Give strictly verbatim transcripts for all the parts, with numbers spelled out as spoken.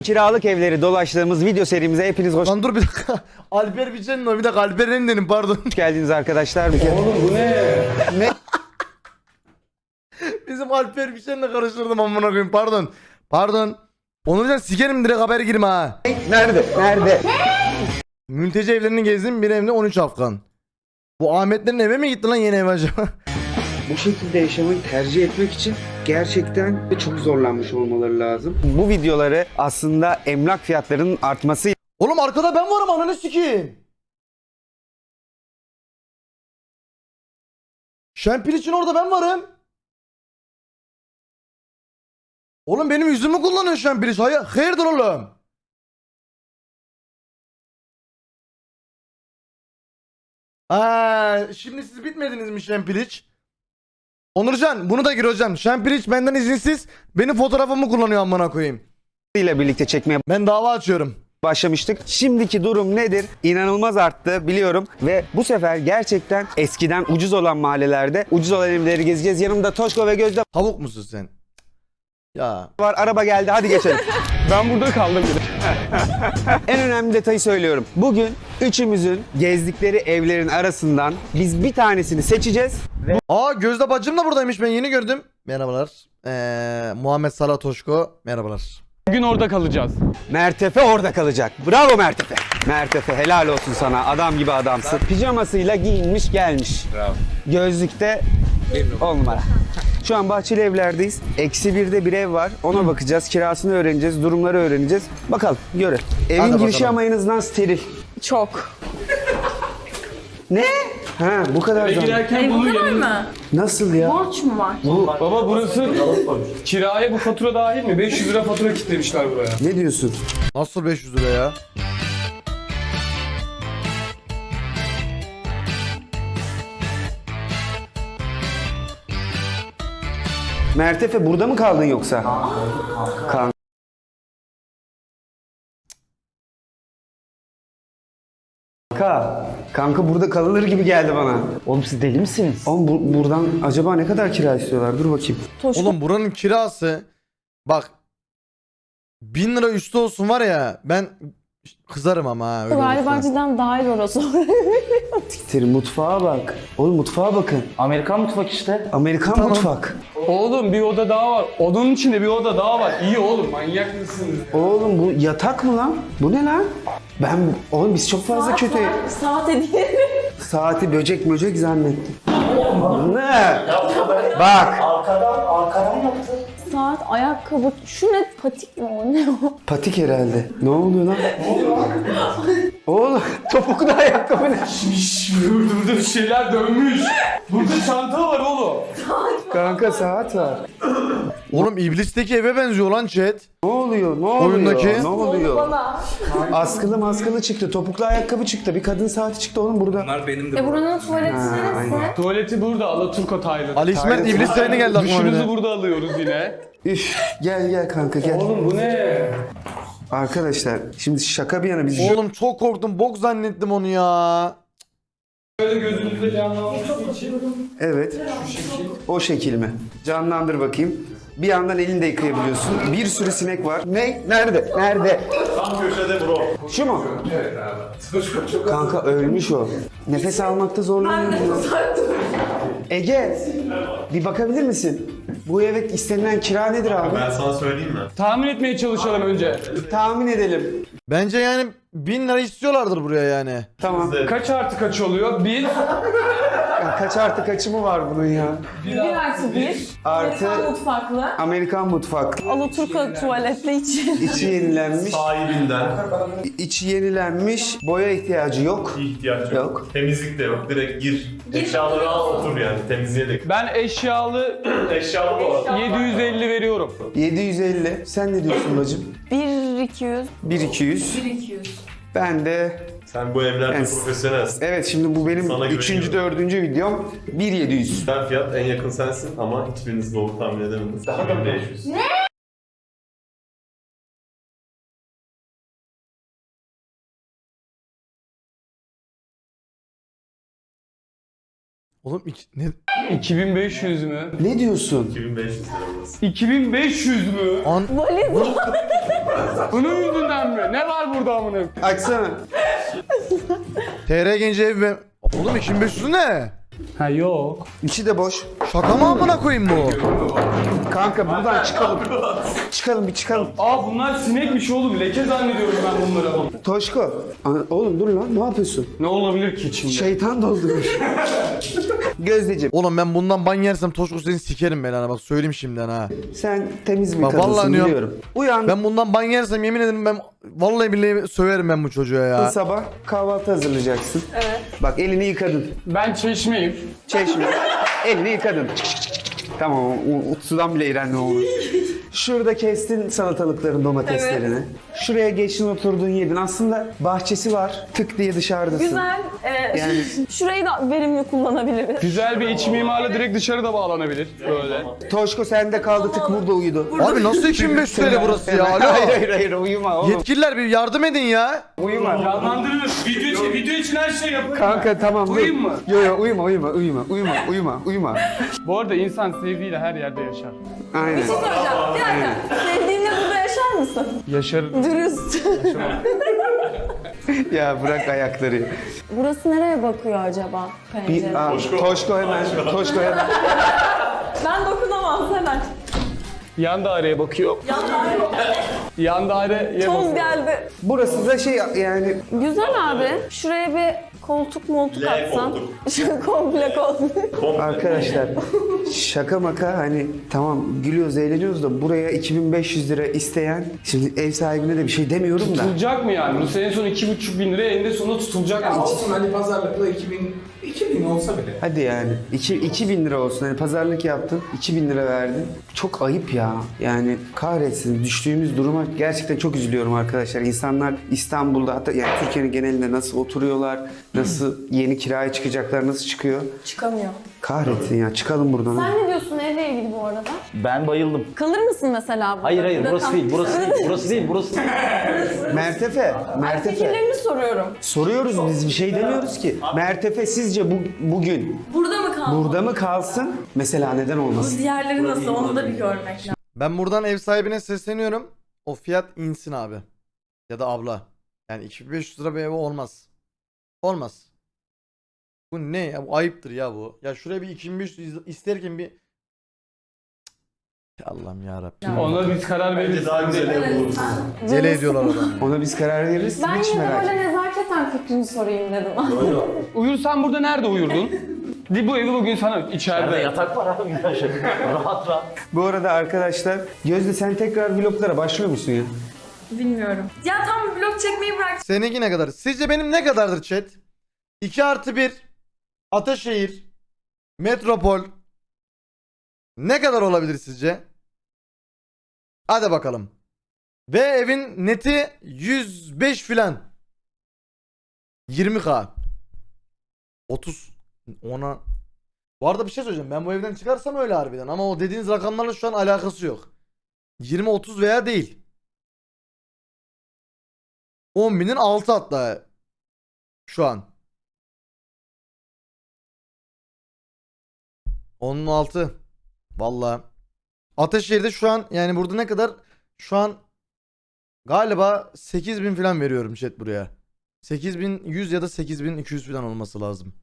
Kiralık evleri dolaştığımız video serimize hepiniz hoş Lan dur bir dakika. Alper Biçen'in o bir dakika Alper Enden'in pardon. geldiniz arkadaşlar. Oğlum bu ne? Ne? Bizim Alper Biçen'le karıştırdım amına koyayım pardon. Pardon. Onurcan sikerim direkt haber girme ha. Nerede? Nerede? Mülteci evlerini gezdim bir evde on üç Afgan. Bu Ahmetlerin eve mi gitti lan yeni ev acaba? Bu şekilde yaşamayı tercih etmek için gerçekten çok zorlanmış olmaları lazım. Bu videoları aslında emlak fiyatlarının artması Oğlum arkada ben varım ananı sikeyim. Şempil için orada ben varım. Oğlum benim yüzümü kullanıyor Şempil. Hayır, hayırdır oğlum? Ha, şimdi siz bitmediniz mi Şempiliç? Onurcan bunu da gir hocam. Şempiliç benden izinsiz benim fotoğrafımı kullanıyor amına koyayım. ile birlikte çekmeye Ben dava açıyorum. başlamıştık. Şimdiki durum nedir? İnanılmaz arttı biliyorum ve bu sefer gerçekten eskiden ucuz olan mahallelerde ucuz olan evleri gezeceğiz. Yanımda Toşko ve Gözde Tavuk musun sen? Ya. var. Araba geldi. Hadi geçelim. Ben burada kaldım bir de. En önemli detayı söylüyorum. Bugün üçümüzün gezdikleri evlerin arasından biz bir tanesini seçeceğiz. Aa Gözde bacım da buradaymış ben yeni gördüm. Merhabalar. Ee, Muhammed Salah Toşko. Merhabalar. Bugün orada kalacağız. Mertefe orada kalacak. Bravo Mertefe. Mertefe helal olsun sana. Adam gibi adamsın. Pijamasıyla giyinmiş gelmiş. Bravo. Gözlükte on numara. Şu an Bahçeli Evler'deyiz. Eksi birde bir ev var. Ona bakacağız. Kirasını öğreneceğiz. Durumları öğreneceğiz. Bakalım göre. Evin Hadi girişi bakalım. ama en azından steril. Çok. Ne? Ha bu kadar zaman. Girerken E, bu bunu kadar yanına... mı? Nasıl ya? Borç mu var? Baba burası kiraya bu fatura dahil mi? beş yüz lira fatura kitlemişler buraya. Ne diyorsun? Nasıl beş yüz lira ya? Mertefe burada mı kaldın yoksa? Kanka. Kanka. Kanka burada kalınır gibi geldi bana. Oğlum siz deli misiniz? Oğlum bu- buradan acaba ne kadar kira istiyorlar? Dur bakayım. Toşko Oğlum buranın kirası bak bin lira üstü olsun var ya ben kızarım ama ha öyle galiba olursa. cidden dahil orası. Siktir, mutfağa bak. Oğlum mutfağa bakın. Amerikan mutfak işte. Amerikan mutfak. Oğlum bir oda daha var. Odanın içinde bir oda daha var. İyi oğlum manyak mısınız? Oğlum bu yatak mı lan? Bu ne lan? Ben oğlum biz çok fazla kötü. Saat hediye. Saati böcek böcek zannettim. Ne? Bak. Arkadan, arkadan yaptı. Saat, ayakkabı. Şu ne? Patik mi o? Ne o? Patik herhalde. Ne oluyor lan? Oğlum topuklu ayakkabı ne? Şşş dur dur dur şeyler dönmüş. Burada çanta var oğlum. Kanka saat var. Oğlum iblisteki eve benziyor lan chat. Ne oluyor? Ne oluyor? Oyundaki- Ne oluyor? Bana. Askılı maskılı çıktı. Topuklu ayakkabı çıktı. Bir kadın saati çıktı oğlum burada. E buranın tuvaleti neresi? Tuvaleti burada Alaturka Tayland. Ali İsmet iblis sayını geldi aklıma bir Duşumuzu de. burada alıyoruz yine. Üf, gel gel kanka gel. Oğlum bu ne? Arkadaşlar şimdi şaka bir yana biz Oğlum çok korktum bok zannettim onu ya. Böyle gözünüzde canlanması için. evet o şekil mi? Canlandır bakayım. Bir yandan elini de yıkayabiliyorsun. Bir sürü sinek var. Ne? Nerede? Nerede? Tam köşede bro. Şu mu? Evet abi. Kanka ölmüş o. Nefes almakta zorlanıyor. Ege bir bakabilir misin? Bu eve istenilen kira nedir abi? Ben sana söyleyeyim mi? Tahmin etmeye çalışalım önce. Tahmin edelim. Bence yani bin lira istiyorlardır buraya yani. Tamam. Kaç artı kaç oluyor? Bir. Ya kaç artı kaçı mı var bunun ya? Bir artı bir. Artı- Amerikan mutfaklı. Amerikan mutfak. Alaturka tuvaletli için. İçi yenilenmiş. Sahibinden İçi yenilenmiş. Boya ihtiyacı yok. ihtiyaç yok. Yok. Temizlik de yok. Direkt gir. Eşyaları al otur yani. Temizliğe de. Ben eşyalı Eşyalı bu arada. yedi yüz elli veriyorum. yedi yüz elli. Sen ne diyorsun bacım? Bir iki yüz. bir iki yüz. Bir iki yüz. Ben de Sen bu evlerde Evet. profesyonelsin. evet şimdi bu benim Sana üçüncü güveniyorum. dördüncü videom. bir yedi yüz. Ben fiyat en yakın sensin ama hiçbiriniz doğru tahmin edemediniz. Daha da beş yüz. Oğlum iki, ne? iki bin beş yüz mü? Ne diyorsun? iki bin beş yüz lira burası. iki bin beş yüz mü? An Valiz. Bunun yüzünden mi? Ne var burada amına? Açsana. T R Genci ev ve... Oğlum iki bin beş yüz ne? Ha yok. İçi de boş. Şaka mı amına koyayım bu? Kanka buradan çıkalım. Çıkalım bir çıkalım. Aa bunlar sinekmiş oğlum. Leke zannediyorum ben bunları. Toşko. Ana- Oğlum dur lan, ne yapıyorsun? Ne olabilir ki içinde? Şeytan doldurmuş. Gözdeciğim, Oğlum ben bundan ban yersem Toşko seni sikerim ben, ha bak söyleyeyim şimdiden ha. sen temiz bir Bak, vallahi kadınsın diyorum. biliyorum. Uyan Ben bundan ban yersem yemin ederim ben vallahi billahi söverim ben bu çocuğa ya. sabah kahvaltı hazırlayacaksın. Evet. Bak elini yıkadın. Ben çeşmeyim. Çeşme. elini yıkadın. Çık, çık, çık, çık. Tamam, o, o sudan bile iğrenme olur. Şurada kestin salatalıkların, domateslerini. Şuraya geçtin, oturdun, yedin. Aslında bahçesi var. Tık diye dışarıdasın. Güzel. Ee, Yani- Şurayı da verimli kullanabiliriz. Güzel bir iç mimarla direkt dışarıda bağlanabilir. Böyle. Toşko sende kaldı, tık burada uyudu. Abi nasıl iki bin beş yüz T L burası ya? Alo. Hayır hayır hayır, uyuma oğlum. Yetkililer bir yardım edin ya. Uyuma. Canlandırılır. Video için, video için her şey yapılır. Kanka tamam dur. Uyuyayım mı? Yo yo uyuma uyuma uyuma uyuma uyuma uyuma. Bu arada insan sevdiğiyle her yerde yaşar. Aynen. Bir şey soracağım. Bir dakika. Sevdiğinle burada yaşar mısın? Yaşar. Dürüst. Ya bırak ayakları. Burası nereye bakıyor acaba? Bir, Pencere. aa, Toşko hemen. Toşko hemen. Ben dokunamam hemen. Yan daireye bakıyor. Yan daireye Toz bakıyor. geldi. Burası da şey yani Güzel abi. Şuraya bir koltuk moltuk L atsan. koltuk. Şu komple koltuk. arkadaşlar şaka maka hani tamam gülüyoruz eğleniyoruz da buraya iki bin beş yüz lira isteyen, şimdi ev sahibine de bir şey demiyorum da. Tutulacak mı yani? Bu senin son iki buçuk bin liraya eninde sonunda tutulacak mı? Olsun hani pazarlıkla iki bin, iki bin olsa bile. Hadi yani iki, iki bin lira olsun, hani pazarlık yaptın iki bin lira verdin, çok ayıp ya yani, kahretsin düştüğümüz duruma gerçekten çok üzülüyorum arkadaşlar. İnsanlar İstanbul'da, hatta yani Türkiye'nin genelinde nasıl oturuyorlar, nasıl yeni kiraya çıkacaklar, nasıl çıkıyor, Çıkamıyor. kahretsin ya, çıkalım buradan. Sen ne diyorsun evle ilgili bu arada? Ben bayıldım. Kalır mısın mesela burada? Hayır hayır Burada burası kal- değil, burası değil, burası değil, burası değil. Mertefe, Mertefe. Fikirlerini soruyorum. Soruyoruz, biz bir şey demiyoruz ki. Mertefe sizce bu, bugün Burada mı kalmalı? burada mı kalsın? Mesela neden olmasın? Diğerleri nasıl? Onu da bir görmek lazım. Ben buradan ev sahibine sesleniyorum. O fiyat insin abi. Ya da abla. Yani iki bin beş yüz lira bir ev olmaz. Olmaz. Bu ne ya? Bu ayıptır ya bu. Ya şuraya bir iki bin beş yüz isterken bir... Cık, Allah'ım yarabbim. Ona biz karar Bence veririz. daha güzel ev bulursunuz. Deli ediyorlar adamı. Ona biz karar veririz. Ben Hiç yine de merak böyle etme. nezaketen fikrini sorayım dedim. Uyursan burada nerede uyurdun? Di bu evi bugün sana Nerede içeride. yatak var abi güzel şey. Rahat rahat. Bu arada arkadaşlar, Gözde sen tekrar vloglara başlıyor musun ya? Bilmiyorum. Ya tam vlog çekmeyi bırak. Seninki ne kadar? Sizce benim ne kadardır chat? iki artı bir Ataşehir Metropol ne kadar olabilir sizce? Hadi bakalım. Ve evin neti yüz beş filan. yirmi bin. otuz ona. Bu arada bir şey söyleyeceğim. Ben bu evden çıkarsam öyle harbiden ama o dediğiniz rakamlarla şu an alakası yok. yirmi otuz veya değil. on binin altı hatta şu an. onun altı. Vallahi. Ataşehir'de şu an yani burada ne kadar? Şu an galiba sekiz bin falan veriyorum chat buraya. sekiz bin yüz ya da sekiz bin iki yüz falan olması lazım.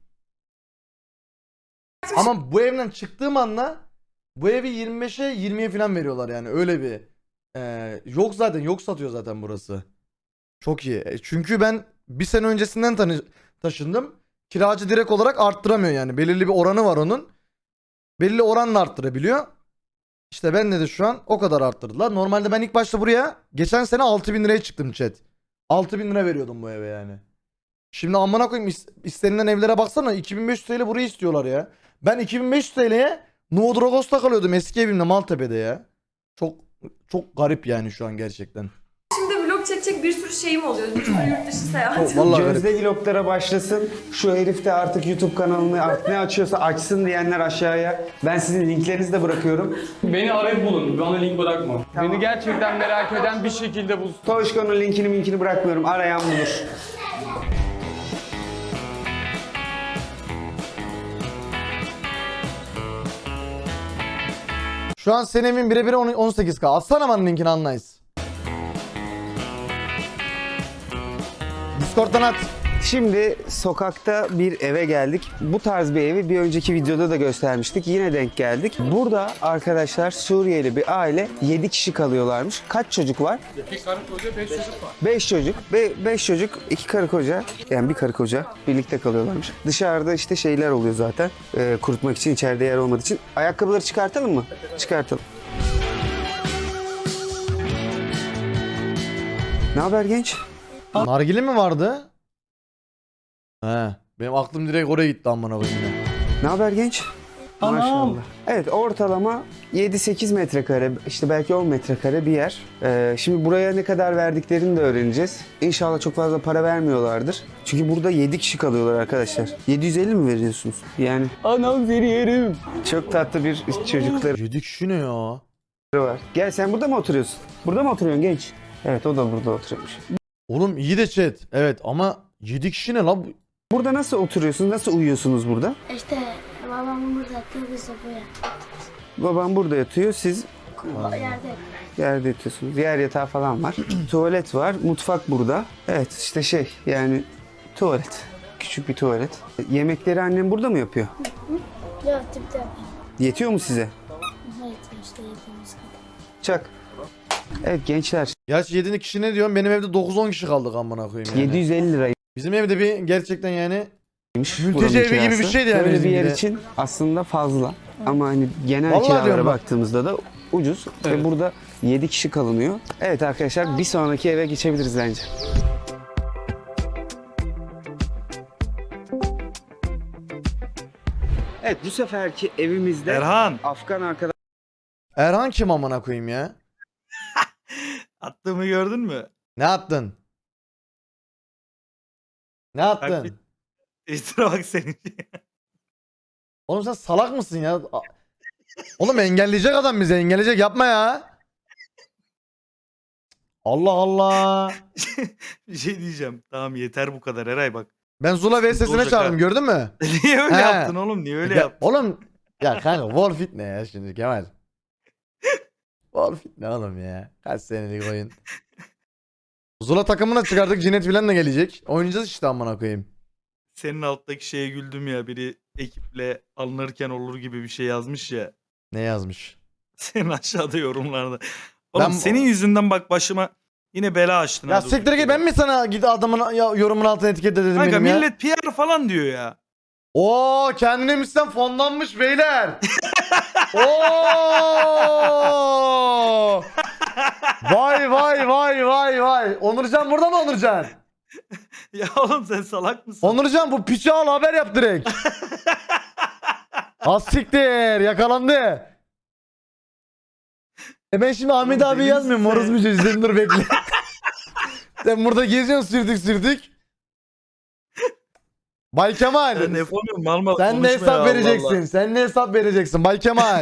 Ama bu evden çıktığım anda bu evi yirmi beşe yirmiye falan veriyorlar yani öyle bir ee, yok zaten yok satıyor zaten burası. Çok iyi. E, Çünkü ben bir sene öncesinden tanı- taşındım. Kiracı direkt olarak arttıramıyor yani. Belirli bir oranı var onun. Belirli oranla arttırabiliyor. İşte bende de şu an o kadar arttırdılar. Normalde ben ilk başta buraya geçen sene altı bin liraya çıktım chat. altı bin lira veriyordum bu eve yani. Şimdi amına koyayım is- istenilen evlere baksana iki bin beş yüz T L burayı istiyorlar ya. Ben iki bin beş yüz T L'ye Nuevo Dragos'ta kalıyordum eski evimde Maltepe'de ya. Çok çok garip yani şu an gerçekten. Şimdi vlog çekecek bir sürü şeyim oluyor. Bir sürü yurt dışı seyahat. Vallahi garip. Gözde vloglara başlasın. Şu herif de artık YouTube kanalını artık ne açıyorsa açsın diyenler aşağıya. Ben sizin linklerinizi de bırakıyorum. Beni arayıp bulun. Bana link bırakma. Beni gerçekten merak eden bir şekilde bulsun. Toşko'nun linkini minkini bırakmıyorum. Arayan bulur. Şu an senin evin birebir on sekiz K. Atsana bana linkini anlayız. Discord'dan at. Şimdi sokakta bir eve geldik. Bu tarz bir evi bir önceki videoda da göstermiştik. Yine denk geldik. Burada arkadaşlar Suriyeli bir aile yedi kişi kalıyorlarmış. Kaç çocuk var? İki karı koca beş çocuk var. beş çocuk. beş çocuk, iki karı koca. Yani bir karı koca birlikte kalıyorlarmış. Dışarıda işte şeyler oluyor zaten. e, kurutmak için, içeride yer olmadığı için. Ayakkabıları çıkartalım mı? Çıkartalım. Ne haber genç? Nargile mi vardı? He. Benim aklım direkt oraya gitti amına koyayım yine. Ne haber genç? Maşallah. Evet, ortalama yedi sekiz metrekare, işte belki on metrekare bir yer. Ee, şimdi buraya ne kadar verdiklerini de öğreneceğiz. İnşallah çok fazla para vermiyorlardır. Çünkü burada yedi kişi kalıyorlar arkadaşlar. yedi yüz elli mi veriyorsunuz? Yani anam veriyorum. Çok tatlı bir çocukları Yedi kişi ne ya? var. Gel, sen burada mı oturuyorsun? Burada mı oturuyorsun genç? Evet, o da burada oturuyormuş. Oğlum iyi de chat. Evet ama yedi kişi ne lan? Burada nasıl oturuyorsunuz? Nasıl uyuyorsunuz burada? İşte babam burada yatıyor, biz de buraya. Babam burada yatıyor, siz Yerde. yerde yatıyorsunuz. Yer yatağı falan var. Tuvalet var, mutfak burada. Evet, işte şey yani tuvalet. Küçük bir tuvalet. Yemekleri annem burada mı yapıyor? Yok tipte. Yetiyor mu size? Evet işte yediğimiz kadar. Çak. Evet gençler, Gerçi yedi kişi ne diyorsun? Benim evde dokuz on kişi kaldık amına koyayım yani. yedi yüz elli liraymış Bizim evde bir gerçekten yani buranın mülteci evi gibi kirası. bir şeydi yani Böyle bir bizim yer gibi. için aslında fazla. Ama hani genel Vallahi kiralara diyorum bak. baktığımızda da ucuz. Ve burada yedi kişi kalınıyor. Evet arkadaşlar, bir sonraki eve geçebiliriz bence. Evet, bu seferki evimizde Erhan, Afgan arkadaş Erhan kim amına koyayım ya? attığımı gördün mü? Ne attın? Ne attın? Bak bir- Twitter'a bak senin. Oğlum sen salak mısın ya? A- Oğlum engelleyecek adam bizi, engelleyecek, yapma ya. Allah Allah. Bir şey diyeceğim. Tamam yeter bu kadar Eray bak. Ben Zula V S'sine olacak çağırdım, ha. gördün mü? Niye öyle He. yaptın oğlum? Niye öyle Ya, yaptın? Oğlum ya kanka Warfit ne ya şimdi Kemal? Warfit ne oğlum ya? Kaç senelik oyun. Zula takımına çıkardık, Cinet filan da gelecek. Oynayacağız işte amına koyayım. Senin alttaki şeye güldüm ya. Biri ekiple alınırken olur gibi bir şey yazmış ya. Ne yazmış? Senin aşağıda yorumlarda. Oğlum Ben- senin yüzünden bak başıma yine bela açtın. Ya ha siktir durduk git, yere. ben mi sana git adamın ya, yorumun altına etiketle dedim Kanka benim ya? millet P R falan diyor ya. Oo kendine mislen fonlanmış beyler. Oo! Vay vay vay vay vay. Onurcan burada mı Onurcan? Ya oğlum sen salak mısın? Onurcan bu piçi al, haber yap direkt. Az siktir, yakalandı. E ben şimdi Ahmet Oğlum abi deli yazmıyorum. misin Moruz sen? mücadele, sen dur bekle. Sen burada geziyorsun sürtük sürtük. Bay Kemal. Ben yapamıyorum mal mal Sen de konuşma ya, hesap Allah vereceksin. Allah. Sen de hesap vereceksin Bay Kemal.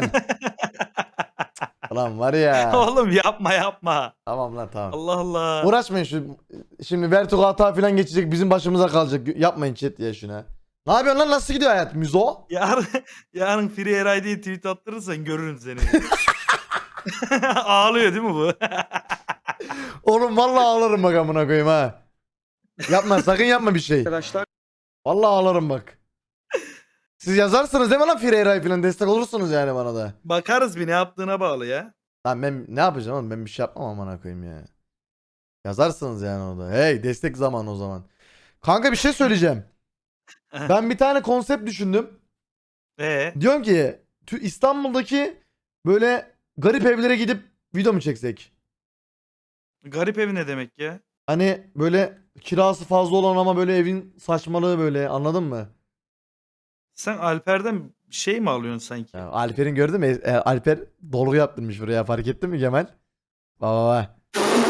Ulan var ya. Oğlum yapma yapma. Tamam lan tamam. Allah Allah. Uğraşmayın şu. Şimdi Vertigo hata falan geçecek, bizim başımıza kalacak. Yapmayın chat ya şuna. Ne yapıyorsun lan, nasıl gidiyor hayat Müzo? Yarın, yarın Free Eray diye tweet attırırsan görürüm seni. Ağlıyor değil mi bu? Oğlum vallahi ağlarım bak amına koyayım ha. Yapma sakın, yapma bir şey. arkadaşlar Vallahi ağlarım bak. Siz yazarsınız değil mi lan Fireyray falan, destek olursunuz yani bana da. Bakarız bir ne yaptığına bağlı ya. Lan ben ne yapacağım oğlum, ben bir şey yapmam amına koyayım ya. Yazarsınız yani orada. Hey destek zamanı o zaman. Kanka bir şey söyleyeceğim. Ben bir tane konsept düşündüm. Ee, Diyorum ki tü- İstanbul'daki böyle garip evlere gidip video mu çeksek? garip evi ne demek ya? Hani böyle kirası fazla olan ama böyle evin saçmalığı, böyle anladın mı? Sen Alper'den şey mi alıyorsun sanki? Ya Alper'in gördün mü? E, Alper dolgu yaptırmış buraya, fark ettin mi Kemal? Baba baba.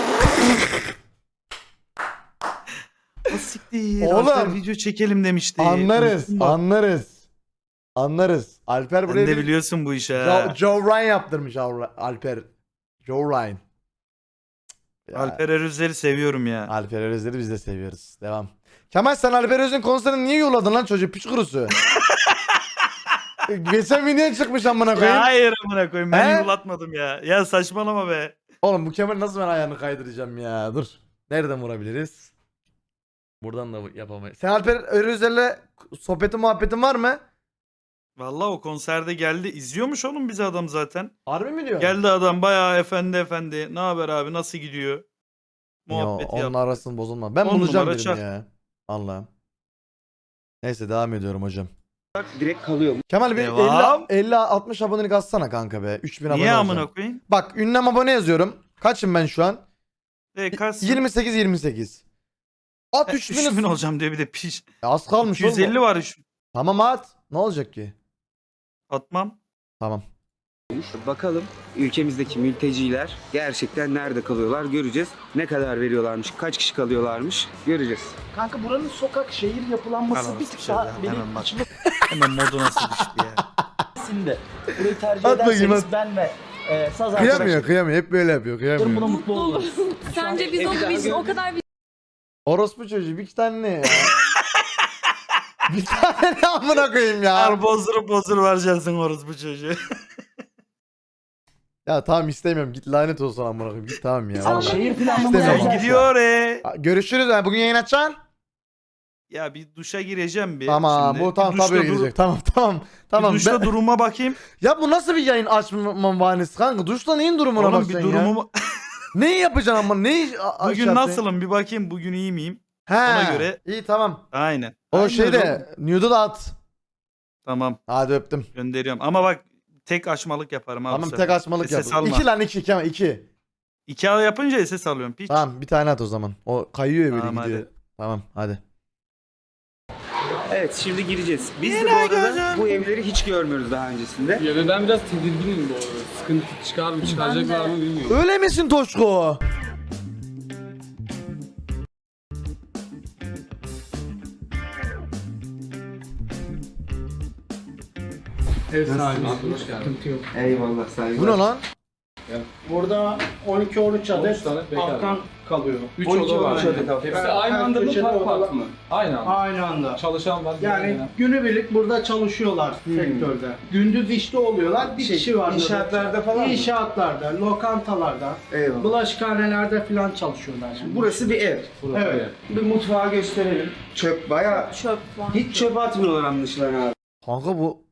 O siktir. Oğlum. Alper video çekelim demişti. Anlarız, Unuttum bak. anlarız. Anlarız. Alper Sen buraya de bir biliyorsun bu işi Joe, ha. Joe Ryan yaptırmış Al- Alper. Joe Ryan. Ya, Alper Erözler'i seviyorum ya. Alper Özler'i biz de seviyoruz. Devam. Kemal sen Alper Öz'ün konserini niye yolladın lan çocuğu, piç kurusu? Geçen video çıkmış amına Ya koyayım. hayır amına koyayım ben He? yumlatmadım ya. Ya saçmalama be. Oğlum bu Kemal nasıl ben ayağını kaydıracağım ya? Dur. Nereden vurabiliriz? Buradan da yapamayız. Sen Alper Örüzel'le sohbetin muhabbetin var mı? Vallahi o konserde geldi. İzliyormuş oğlum bizi adam zaten. Harbi mi diyor? Geldi adam bayağı efendi efendi. Ne haber abi nasıl gidiyor? Yo, Muhabbeti onun yaptı. arasını bozulma. Ben On bulacağım numara dedim çak. ya. Allah'ım. Neyse devam ediyorum hocam. Direkt kalıyor. Kemal bir Devam. elli altmış abonelik atsana kanka be. üç bin abone Niye olacağım. amına koyayım? Bak ünlem abone yazıyorum. Kaçım ben şu an? E, kaç? yirmi sekiz yirmi sekiz. At üç bin. üç bin olacağım diye bir de piş. Az kalmış iki yüz elli oğlum. var üç bin. Tamam at. Ne olacak ki? Atmam. Tamam. Bakalım ülkemizdeki mülteciler gerçekten nerede kalıyorlar göreceğiz. Ne kadar veriyorlarmış, kaç kişi kalıyorlarmış göreceğiz. Kanka buranın sokak şehir yapılanması Hemen bir tık sıçradı daha ya, benim hemen bak. içime Hemen modu nasıl düştü ya. sindi. Burayı tercih At bakayım, ederseniz at. ben ve e, saz Kıyamıyor arkadaşlarım kıyamıyor. Hep böyle yapıyor. buna Kıyamıyor. mutlu oluruz. Sence biz onu biz o kadar bir Orospu çocuğu bir iki tane ne ya? Bir tane ne amına koyayım ya? Her bozdurup bozdurup vereceksin orospu çocuğu. Ya tamam istemiyorum. Git lanet olsun amına koyayım. Git tamam ya. Ama şehir planlaması İstemiyorum. özel. Gidiyor e. Ha, görüşürüz. Yani bugün yayın açacaksın. Ya bir duşa gireceğim bir. Tamam şimdi. bu tamam Bir duşta tabii dur- girecek. Tamam tamam. Tamam. Bir duşta Ben- duruma bakayım. Ya bu nasıl bir yayın açma bahanesi kanka? Duşta neyin durumuna Oğlum bir bakacaksın ya? durumumu... Neyi yapacaksın ama? Neyi a- a- Bugün şey yapacaksın? nasılım bir bakayım bugün iyi miyim? He. Ona göre- İyi tamam. Aynen. O Aynen şeyde oğlum. nude'u da at. Tamam Hadi öptüm. gönderiyorum. Ama bak tek açmalık yaparım abi. Tamam bu tek sefer. açmalık Ses yap. alma. İki lan iki Kemal iki. İki al yapınca ses alıyorum piç. Tamam bir tane at o zaman. O kayıyor ya böyle Tamam, gidiyor. hadi. Tamam hadi. Evet şimdi gireceğiz. Biz de bu arada bu evleri hiç görmüyoruz daha öncesinde. Ya ve ben biraz tedirginim bu arada. Sıkıntı çıkar mı çıkaracaklar mı bilmiyorum. Öyle misin Toşko? Ev sahibi. Hoş geldin. Eyvallah saygılar. Bu ne lan? Burada on iki on üç on üç tane bekar. Afgan kalıyor. üç on iki oda var. on üç adet Afgan. Hepsi aynı anda mı köşede park odalar- park mı? Aynı anda. Aynı anda. Çalışan var. Yani gelen. günübirlik burada çalışıyorlar sektörde. Gündüz işte oluyorlar. Bir Şey, kişi var. inşaatlarda falan mı? İnşaatlarda, lokantalarda, Eyvallah. bulaşıkhanelerde falan çalışıyorlar. Şimdi. Burası bir ev. Burası Evet. Bir mutfağı gösterelim. Çöp bayağı Çöp var. hiç çöp atmıyorlar anlaşılan abi. Kanka bu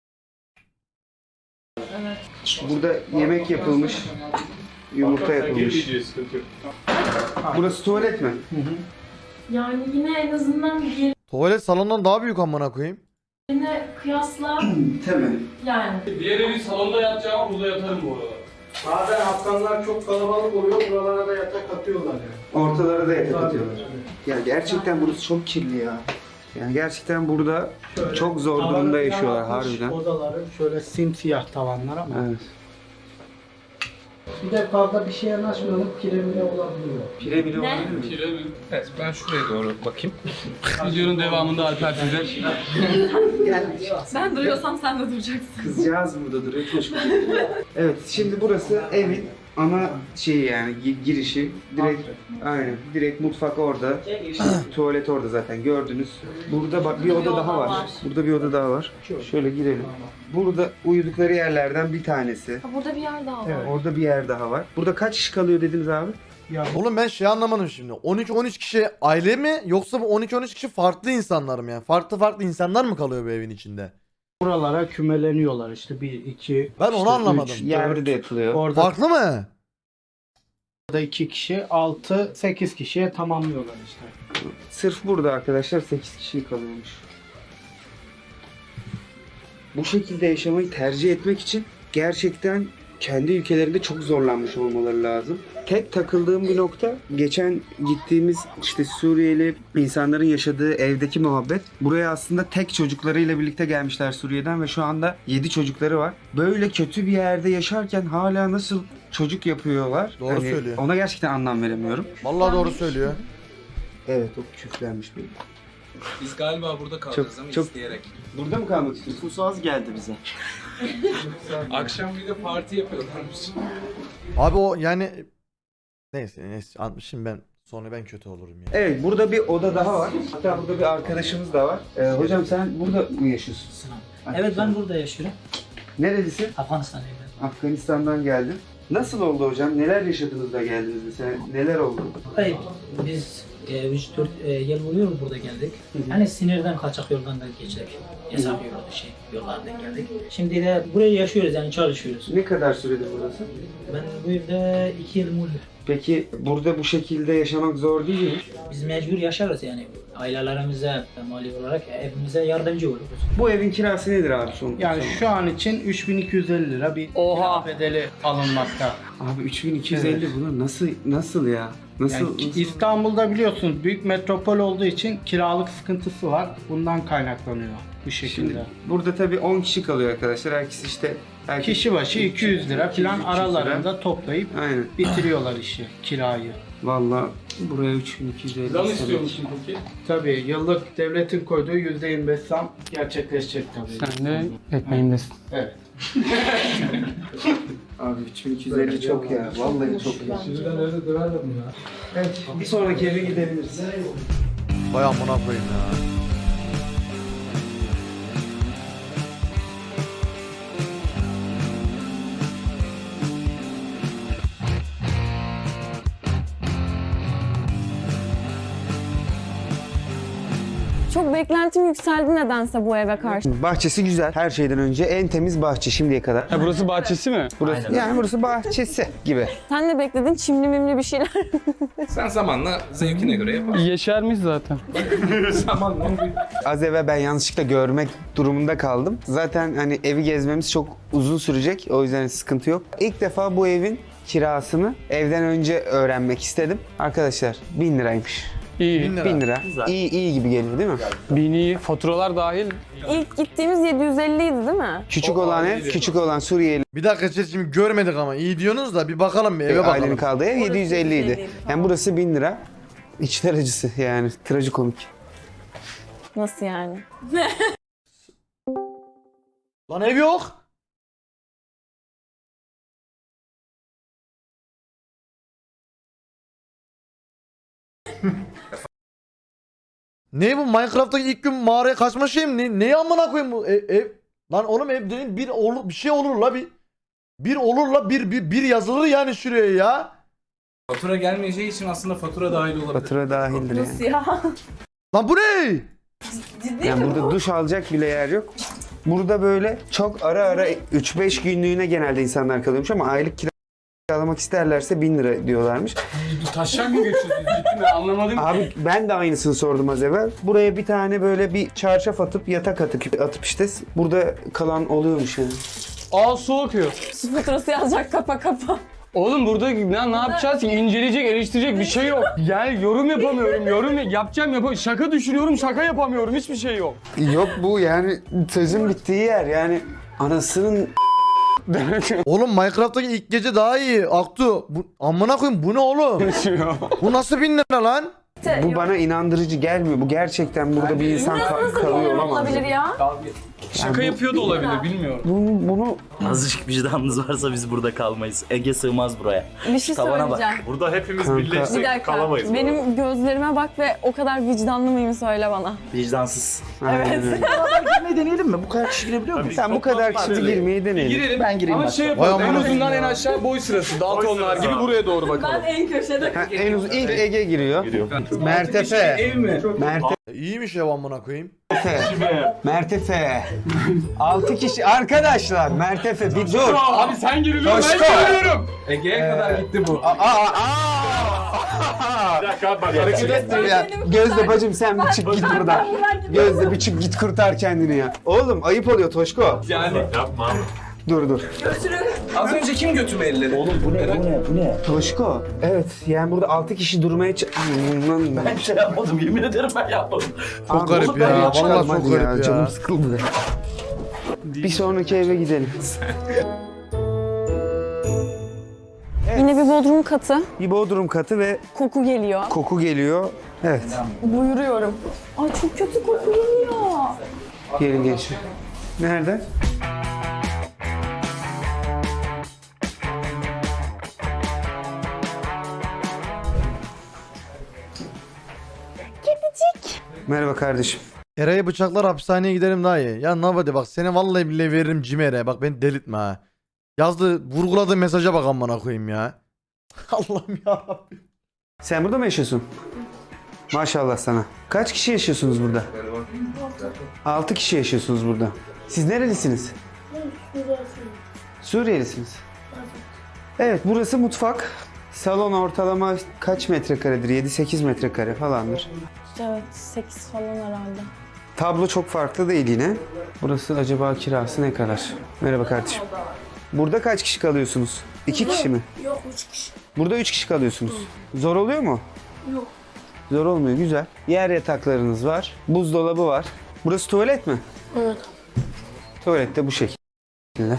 Burada yemek yapılmış. Yumurta yapılmış. Sıkıntı yok. Burası tuvalet mi? Yani yine en azından tuvalet salondan daha büyük amına koyayım. yerine kıyasla Temel. yani. Diğer evi salonda yatacağım burada yatarım bu arada. Bazen Afganlar çok kalabalık oluyor. Buralara da yatak atıyorlar yani. Ortalara da yatak atıyorlar. Ya gerçekten burası çok kirli ya. Yani gerçekten burada Şöyle çok zor tavanı durumda falan yaşıyorlar atmış, harbiden. Odaları şöyle simsiyah tavanlar ama. Evet. Bir de fazla bir şeye yanaşmayalım. Kiremine olabiliyor. Pire bile Ne? olabilir mi? Pire mi? Evet ben şuraya doğru bakayım. Videonun devamında Alper size ben duruyorsam sen de duracaksın. Kızcağız burada duruyor. Çocuk. Evet şimdi burası evin ana şeyi yani gi- girişi. Direkt aynen. Direkt mutfak orada. Tuvalet orada zaten gördünüz. Burada bak bir oda daha var. Burada bir oda daha var. Şöyle girelim. Burada uyudukları yerlerden bir tanesi. Ha, burada bir yer daha var. Evet. Orada bir yer daha var. Burada kaç kişi kalıyor dediniz abi? Ya Oğlum ben şey anlamadım şimdi. on iki on üç kişi aile mi yoksa bu on iki on üç kişi farklı insanlar mı yani? Farklı farklı insanlar mı kalıyor bu evin içinde? buralara kümeleniyorlar işte bir iki. Ben onu işte anlamadım. üç, Yerde dört. de yapılıyor. Orada Farklı mı? iki kişi, altı, sekiz kişiye tamamlıyorlar işte. Sırf burada arkadaşlar sekiz kişi kalıyormuş. Bu şekilde yaşamayı tercih etmek için gerçekten kendi ülkelerinde çok zorlanmış olmaları lazım. Tek takıldığım bir nokta geçen gittiğimiz işte Suriyeli insanların yaşadığı evdeki muhabbet. Buraya aslında tek çocuklarıyla birlikte gelmişler Suriye'den ve şu anda yedi çocukları var. Böyle kötü bir yerde yaşarken hala nasıl çocuk yapıyorlar? Doğru Hani söylüyor. Ona gerçekten anlam veremiyorum. Vallahi doğru söylüyor. Evet o küflenmiş benim. Biz galiba burada kalacağız Çok- ama çok- isteyerek. Burada mı kalmak istiyorsun? Nüfus az geldi bize. Akşam bir de parti yapıyorlarmış. Abi o yani neyse neyse anlatmışım ben Sonra ben kötü olurum ya. Evet, burada bir oda daha var. Hatta burada bir arkadaşımız da var. Ee, hocam sen burada mı yaşıyorsun? Evet ben burada yaşıyorum. Nerelisin? Afganistan'dayım. Afganistan'dan geldim. Nasıl oldu hocam? Neler yaşadınız da geldiniz mesela? Neler oldu? Hayır biz üç dört yıl oluyor burada geldik. Hani sinirden kaçak yoldan da geçtik. Hesap yolu şey yollardan geldik. Şimdi de buraya yaşıyoruz yani çalışıyoruz. Ne kadar süredir burası? Ben bu evde iki yıl oldu. Peki burada bu şekilde yaşamak zor değil mi? Biz mecbur yaşarız yani. Ailelerimize, mali olarak evimize yardımcı oluruz. Bu evin kirası nedir abi son? Yani son- şu an için üç bin iki yüz elli lira bir Oha. kira bedeli alınmakta. Abi üç bin iki yüz elli bunlar nasıl nasıl ya? Nasıl? Yani nasıl? İstanbul'da biliyorsunuz büyük metropol olduğu için kiralık sıkıntısı var. Bundan kaynaklanıyor bu şekilde. Şimdi burada tabii on kişi kalıyor arkadaşlar. Herkes işte herkes Kişi başı iki yüz lira falan iki yüz lira. aralarında toplayıp Aynen. bitiriyorlar işi, kirayı. Vallahi buraya üç bin iki yüz elli. Zam istemek. istiyor musun peki? Tabii yıllık devletin koyduğu yüzde yirmi beş zam gerçekleşecek tabii. Sen de ekmeğimdesin. Evet. Abi üç bin iki yüz elli çok ya. Vallahi çok ya. Nerede duralım ya? Evet, bir sonraki eve gidebiliriz. Vay amına koyayım ya. Çok beklentim yükseldi nedense bu eve karşı. Bahçesi güzel. Her şeyden önce en temiz bahçe şimdiye kadar. Ha burası bahçesi mi? Burası, yani burası bahçesi gibi. Sen de bekledin çimli mimli bir şeyler. Sen zamanla zevkine göre yaparsın. Yeşermiş zaten. Az evvel ben yanlışlıkla görmek durumunda kaldım. Zaten hani evi gezmemiz çok uzun sürecek. O yüzden sıkıntı yok. İlk defa bu evin kirasını evden önce öğrenmek istedim. Arkadaşlar bin liraymış. İyi. Bin lira. bin lira. İyi iyi gibi geliyor değil mi? Bin iyi. Faturalar dahil. İlk gittiğimiz yedi yüz elli idi değil mi? Küçük olan ev, küçük olan Suriyeli Bir dakika chat, şimdi görmedik ama iyi diyorsunuz da bir bakalım bir eve bakalım. ailenin kaldığı ev yedi yüz elli idi. Yani burası bin lira. İçler acısı yani trajikomik. Nasıl yani? Lan ev yok. Ne bu Minecraft'taki ilk gün mağaraya kaçma şey mi? Ne, neyi amına koyayım bu ev, ev? Lan oğlum ev dediğin bir olur bir şey olur la bir bir olur la bir bir, bir yazılır yani şuraya ya. Fatura gelmeyeceği için aslında fatura dahil olabilir. Fatura dahildir yani. Nasıl ya? Lan bu ne? Ciddi Yani mi burada bu? duş alacak bile yer yok. Burada böyle çok ara ara üç beş günlüğüne genelde insanlar kalıyormuş ama aylık kiralamak isterlerse bin lira diyorlarmış. Taşak mı geçiyorsunuz? Ciddi mi? Anlamadım. Abi ben de aynısını sordum az evvel. Buraya bir tane böyle bir çarşaf atıp yatak atıp, atıp işte burada kalan oluyormuş yani. Aa su akıyor. Su faturası yazacak kapa kapa. Oğlum burada ne, ne yapacağız ki? İnceleyecek, eleştirecek bir şey yok. Yani yorum yapamıyorum, yorum yapacağım yapamıyorum. Şaka düşünüyorum, şaka yapamıyorum. Hiçbir şey yok. Yok bu yani sözün bittiği yer yani anasının Oğlum Minecraft'taki ilk gece daha iyi. Aktu. Bu, amına koyayım bu ne oğlum? Bu nasıl bin lira lan? bu bana inandırıcı gelmiyor. Bu gerçekten burada bir insan ka- Nasıl bin kalıyor lira olamaz. olabilir ya? Şaka yapıyor da olabilir, bilmiyorum. Bunu, bunu Azıcık vicdanınız varsa biz burada kalmayız. Ege sığmaz buraya. Bir şey Tavana bak. söyleyeceğim. Burada hepimiz Kanka. Bir birleşsek dakika. kalamayız. bu arada. Benim gözlerime bak ve o kadar vicdanlı mıyım söyle bana. Vicdansız. Aynen öyle. Girmeyi deneyelim mi? Bu kadar kişi girebiliyor muyuz? Sen bu kadar kişi girmeyi deneyelim. Girelim. Ben gireyim Ama başta. şey yapalım, Vay en amına azından koyayım en ya. aşağı boy sırası. Daltonlar sırası. gibi buraya doğru bakalım. en köşede. Ha, en uzun ilk Ege giriyor. Mertefe. Ev mi? Mertefe. İyiymiş ev amına koyayım. Mertefe. altı kişi arkadaşlar. Mertefe bir dur. Abi sen giriliyorsun, Coşku. ben giriyorum. Ege'ye kadar gitti bu. Aa, aa, aa. Bir dakika abi bak hareket et. Ya, Gözde bacım sen bir çık git buradan. Gözde bir çık git kurtar kendini ya. Oğlum ayıp oluyor Toşko. Yani Yapma abi. Dur dur. az önce kim götüme elleri? Oğlum bu ne? Bu ne? Bu ne? Toşko. Evet yani burada altı kişi durmaya ç- Aman Ben şey yapmadım. Yemin ederim ben yapmadım. Çok Abi, garip oğlum, ya. ben Vallahi çıkarım çok hadi garip ya. Canım sıkıldı. Bir sonraki eve gidelim. Yine bir bodrum katı. Bir bodrum katı ve Koku geliyor. koku geliyor. Evet. Buyuruyorum. Ay çok kötü koku geliyor. Gelin gençler. Nerede? Merhaba kardeşim. Eray'ı bıçaklar hapishaneye giderim daha iyi. Ya Nabadi bak seni vallahi billahi veririm Cimer'e. Bak beni delirtme ha. Yazdı vurguladığı mesaja bak amına koyayım ya. Allah'ım yarabbim. Sen burada mı yaşıyorsun? Maşallah sana. Kaç kişi yaşıyorsunuz burada? Altı kişi yaşıyorsunuz burada. Siz nerelisiniz? Suriyelisiniz. Evet, burası mutfak. Salon ortalama kaç metrekaredir? yedi sekiz metrekare falandır. Evet sekiz falan herhalde. Tablo çok farklı değil yine. Burası acaba kirası ne kadar? Merhaba kardeşim. Burada kaç kişi kalıyorsunuz? İki kişi mi? Yok üç kişi. Burada üç kişi kalıyorsunuz. Zor oluyor mu? Yok. Zor olmuyor, güzel. Yer yataklarınız var. Buzdolabı var. Burası tuvalet mi? Evet. Tuvalet de bu şekilde.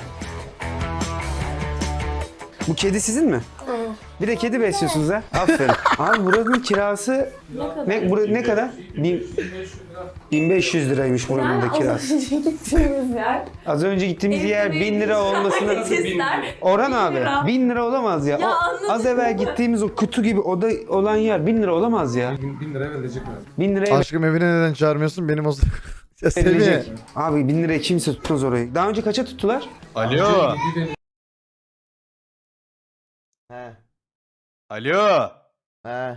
Bu kedi sizin mi? Evet. Bir de kedi besliyorsunuz ha. Aferin. Abi buranın kirası ne, bura, ne kadar? Bin, bin beş yüz liraymış buranın da kirası. Az önce gittiğimiz yer. Az önce gittiğimiz yer bin lira olmasını... Orhan abi bin lira olamaz ya. Ya O, anladım. az evvel gittiğimiz o kutu gibi oda olan yer bin lira olamaz ya. bin liraya verilecek mi? Bin liraya Aşkım evine neden çağırmıyorsun? Benim o ya Semih. verilecek. Abi bin liraya kimse tutmaz orayı. Daha önce kaça tuttular? Alo. He. Alo. He.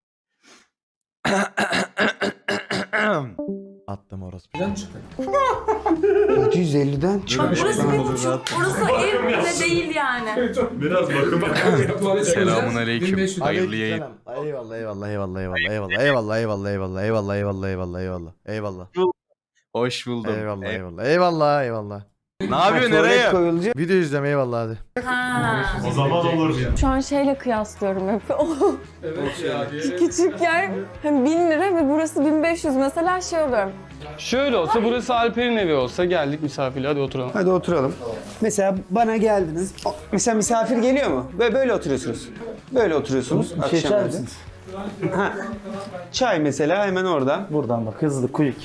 Attım orası. yedi yüz elliden çıkmış. Burası bir buçuk. Burası ev bile değil yani. Biraz bakın. Selamun aleyküm. Hayırlı yayın. Aleykümselam. Eyvallah eyvallah eyvallah eyvallah eyvallah eyvallah eyvallah eyvallah eyvallah eyvallah eyvallah eyvallah eyvallah Hoş buldum. eyvallah Ey- eyvallah eyvallah eyvallah. Ne yapıyorsun Tuvalet nereye? koyulacak. Video izliyorum eyvallah hadi. Ha. O zaman olur. Şu an şeyle kıyaslıyorum hep. O küçük yer hani bin lira ve burası bin beş yüz mesela şey oluyorum. Şöyle olsa burası Alper'in evi olsa geldik misafirle hadi oturalım. Hadi oturalım. Mesela bana geldiniz. O- Mesela misafir geliyor mu? Böyle, böyle oturuyorsunuz. Böyle oturuyorsunuz. Bir şey içer akşam misiniz? evde. Ha. Çay mesela hemen orada. Buradan bak hızlı quick.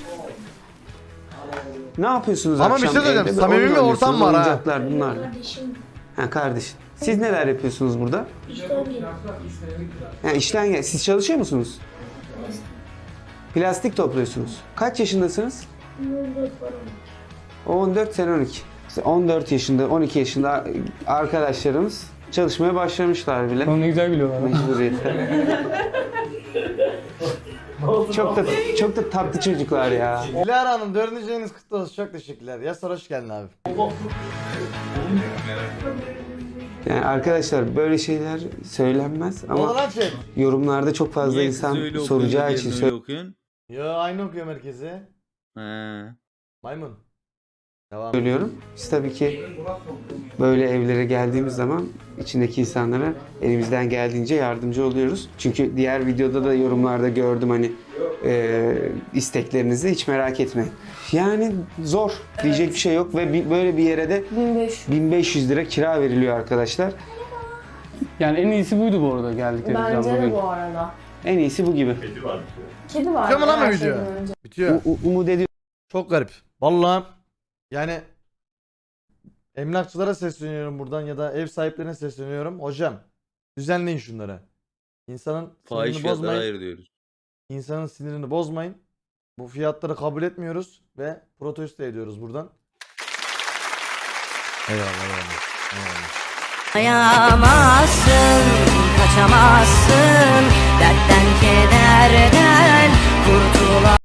Ne yapıyorsunuz Ama bir akşam şey söyleyeceğim, evde? samimi Oyun bir ortam oynuyorsunuz, var ha. oyuncaklar bunlarla. Ha kardeş. Siz neler yapıyorsunuz burada? Ha, işten gel. Siz çalışıyor musunuz? Plastik topluyorsunuz. Kaç yaşındasınız? on dört sen on iki. İşte on dört yaşında, on iki yaşında arkadaşlarımız çalışmaya başlamışlar bile. Onu ne güzel biliyorlar. Mecburiyetten. çok da çok da tatlı çocuklar ya. Dilara Hanım dördüncü yayınız kutlu olsun. Çok teşekkürler. Yasar hoş geldin abi. Yani arkadaşlar böyle şeyler söylenmez Ne oldu ama lan chat? yorumlarda çok fazla insan soracağı için okuyun? Yo aynı okuyor merkezi. He. Maymun. Devam. söylüyorum. Biz tabii ki böyle evlere geldiğimiz zaman içindeki insanlara elimizden geldiğince yardımcı oluyoruz. Çünkü diğer videoda da yorumlarda gördüm hani e, isteklerinizi hiç merak etmeyin. Yani zor diyecek bir şey yok ve bi- böyle bir yere de bin beş yüz. bin beş yüz lira kira veriliyor arkadaşlar. Yani en iyisi buydu bu arada geldiklerimizden Bence de bugün. bu arada. En iyisi bu gibi. Kedi var. Bitiyor mu lan bu her video? şeyden önce. Bitiyor. U- u- umut ediyorum. Çok garip. Vallahi yani emlakçılara sesleniyorum buradan ya da ev sahiplerine sesleniyorum. Hocam düzenleyin şunları. İnsanın sinirini bozmayın. diyoruz. İnsanın sinirini bozmayın. Bu fiyatları kabul etmiyoruz ve protesto ediyoruz buradan. Eyvallah eyvallah. Eyvallah. Ayamazsın, kaçamazsın dertten kederden kurtulamazsın.